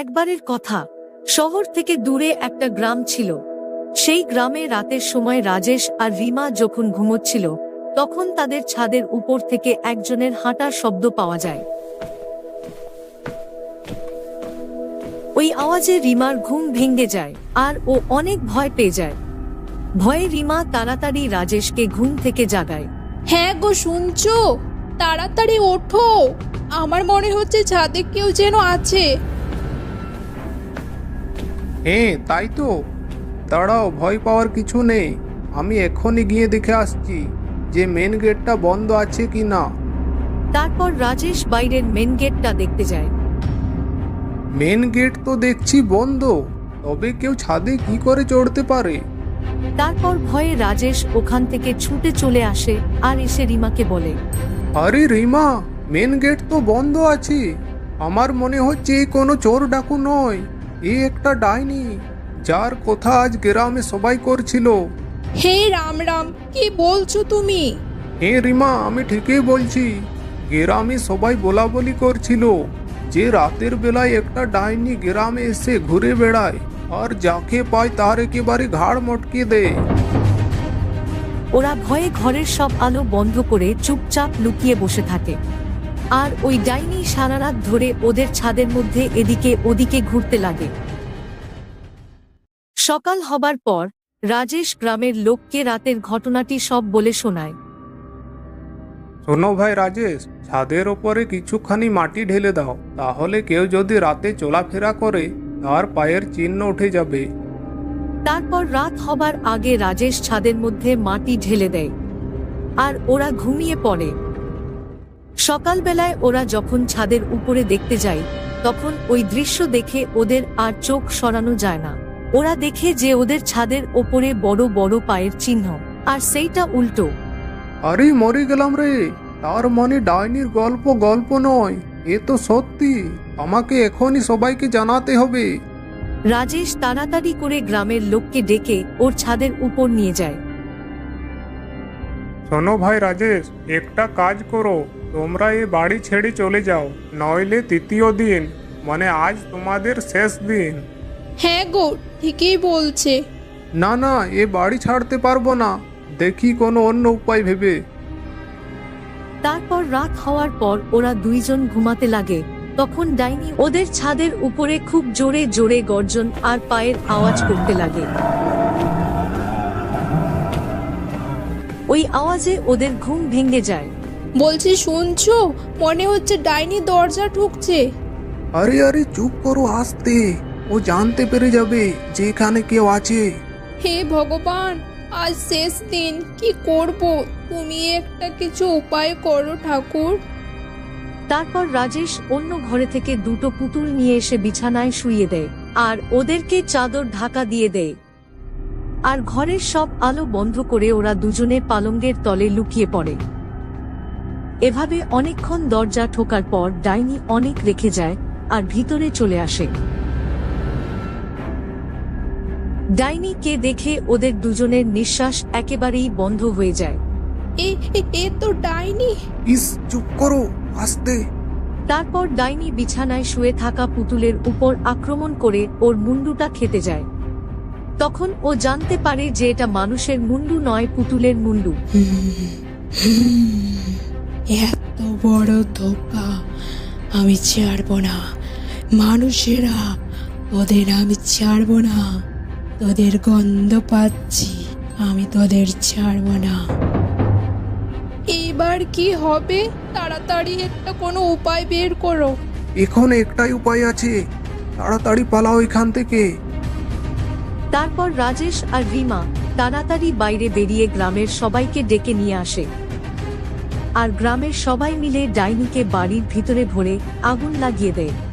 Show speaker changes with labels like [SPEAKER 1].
[SPEAKER 1] একবারের কথা, শহর থেকে দূরে একটা গ্রাম ছিল। সেই গ্রামে রাতের সময় রাজেশ আর রিমা যখন ঘুমোচ্ছিল, তখন তাদের ছাদের উপর থেকে একজনের হাঁটার শব্দ পাওয়া যায়। ওই আওয়াজে রিমার ঘুম ভেঙে যায় আর ও অনেক ভয় পেয়ে যায়। ভয়ে রিমা তাড়াতাড়ি রাজেশকে ঘুম থেকে জাগায়।
[SPEAKER 2] হ্যাঁ গো, শুনছো? তাড়াতাড়ি ওঠো, আমার মনে হচ্ছে ছাদে কেউ যেন আছে।
[SPEAKER 3] হ্যাঁ তাই তো, দাঁড়াও, ভয় পাওয়ার কিছু নেই। আমি এখনই গিয়ে দেখে আসছি যে মেন গেটটা বন্ধ আছে কি না।
[SPEAKER 1] তারপর রাজেশ বাইরের মেন গেটটা দেখতে যায়।
[SPEAKER 3] মেন গেট তো দেখছি বন্ধ, তবে কেউ ছাদে কি করে চড়তে পারে?
[SPEAKER 1] তারপর ভয়ে রাজেশ ওখান থেকে ছুটে চলে আসে আর এসে রিমাকে বলে,
[SPEAKER 3] আরে রিমা, মেন গেট তো বন্ধ আছে। আমার মনে হচ্ছে এ কোনো চোর ডাকু নয়, এ একটা ডাইনি, যার কথা আজ গ্রামে সবাই করছিল।
[SPEAKER 2] হে রাম রাম, কি বলছো তুমি?
[SPEAKER 3] হ্যাঁ রিমা, আমি ঠিকই বলছি। গ্রামে সবাই বলা বলি করছিল যে রাতের বেলায় একটা ডাইনি গ্রামে এসে ঘুরে বেড়ায় আর যাকে পায় তার একেবারে ঘাড় মটকে দেয়।
[SPEAKER 1] ওরা ভয়ে ঘরের সব আলো বন্ধ করে চুপচাপ লুকিয়ে বসে থাকে। আর ওই ডাইনি সারা রাত ধরে ওদের ছাদের মধ্যে এদিকে ওদিকে ঘুরতে লাগে। সকাল হবার পর রাজেশ গ্রামের লোককে রাতের ঘটনাটি সব বলে শোনায়।
[SPEAKER 3] শোনো ভাই রাজেশ, ছাদের ওপরে কিছুখানি মাটি ঢেলে দাও, তাহলে কেউ যদি রাতে চলাফেরা করে তার পায়ের চিহ্ন উঠে যাবে।
[SPEAKER 1] তারপর রাত হবার আগে রাজেশ ছাদের মধ্যে মাটি ঢেলে দেয় আর ওরা ঘুমিয়ে পড়ে। সকালবেলায় ওরা যখন ছাদের উপরে দেখতে যায়, তখন ওই দৃশ্য দেখে ওদের আর চোখ সরানো যায় না। ওরা দেখে যে ওদের ছাদের ওপরে বড় বড় পায়ের চিহ্ন, আর সেইটা উল্টো।
[SPEAKER 3] আরে মরে গেলাম রে, তার মানে ডাইনির গল্প নয়, এ তো সত্যি। আমাকে এখনই সবাইকে জানাতে হবে।
[SPEAKER 1] রাজেশ তাড়াতাড়ি করে গ্রামের লোককে ডেকে ওর ছাদের উপর নিয়ে যায়।
[SPEAKER 3] শোনো ভাই রাজেশ, একটা কাজ করো, তোমরা এ বাড়ি ছেড়ে চলে যাও, নইলে তৃতীয় দিন, মানে আজ তোমাদের শেষ দিন।
[SPEAKER 2] হ্যাঁ গো, ঠিকই বলছে।
[SPEAKER 3] না না, এ বাড়ি ছাড়তে পারবো না, দেখি কোনো অন্য উপায় ভেবে।
[SPEAKER 1] তারপর রাত হওয়ার পর ওরা দুইজন ঘুমাতে লাগে। তখন ডাইনি ওদের ছাদের উপরে খুব জোরে জোরে গর্জন আর পায়ের আওয়াজ করতে লাগে। ওই আওয়াজে ওদের ঘুম ভেঙে যায়।
[SPEAKER 2] বলছি, শুনছো? মনে হচ্ছে ডাইনি দরজা ঠুকছে।
[SPEAKER 3] আরে আরে চুপ করো, আস্তে, ও জানতে পেরে যাবে যে এখানে কেউ আছে।
[SPEAKER 2] হে ভগবান, আজ শেষ দিন, কি করব? তুমি একটা কিছু উপায় করো ঠাকুর।
[SPEAKER 1] তারপর রাজেশ অন্য ঘরে থেকে দুটো পুতুল নিয়ে এসে বিছানায় শুইয়ে দেয় আর ওদেরকে চাদর ঢাকা দিয়ে দেয়। আর ঘরের সব আলো বন্ধ করে ওরা দুজনে পালঙ্গের তলে লুকিয়ে পড়ে। এভাবে অনেকক্ষণ দরজা ঠোকার পর ডাইনি অনেক রেখে যায় আর ভিতরে চলে আসে। ডাইনিকে দেখে ওদের দুজনের নিঃশ্বাস একেবারেই বন্ধ হয়ে যায়।
[SPEAKER 2] এ তো ডাইনি।
[SPEAKER 3] ইস, চুপ করো, আস্তে।
[SPEAKER 1] তারপর ডাইনি বিছানায় শুয়ে থাকা পুতুলের উপর আক্রমণ করে ওর মুন্ডুটা খেতে যায়। তখন ও জানতে পারে যে এটা মানুষের মুন্ডু নয়, পুতুলের মুন্ডু।
[SPEAKER 2] এত বড় ধোকা আমি ছাড়বো না। মানুষেরা, ওদের আমি ছাড়বো না। তোদের গন্ধ পাচ্ছি, আমি তোদের ছাড়বো না। এবার কি হবে? তাড়াতাড়ি একটা কোনো উপায় বের করো।
[SPEAKER 3] এখন একটাই উপায় আছে, তাড়াতাড়ি পালাও এখান থেকে।
[SPEAKER 1] তারপর রাজেশ আর রিমা তাড়াতাড়ি বাইরে বেরিয়ে গ্রামের সবাইকে ডেকে নিয়ে আসে। আর গ্রামের সবাই মিলে ডাইনিকে বাড়ির ভিতরে ভরে আগুন লাগিয়ে দেয়।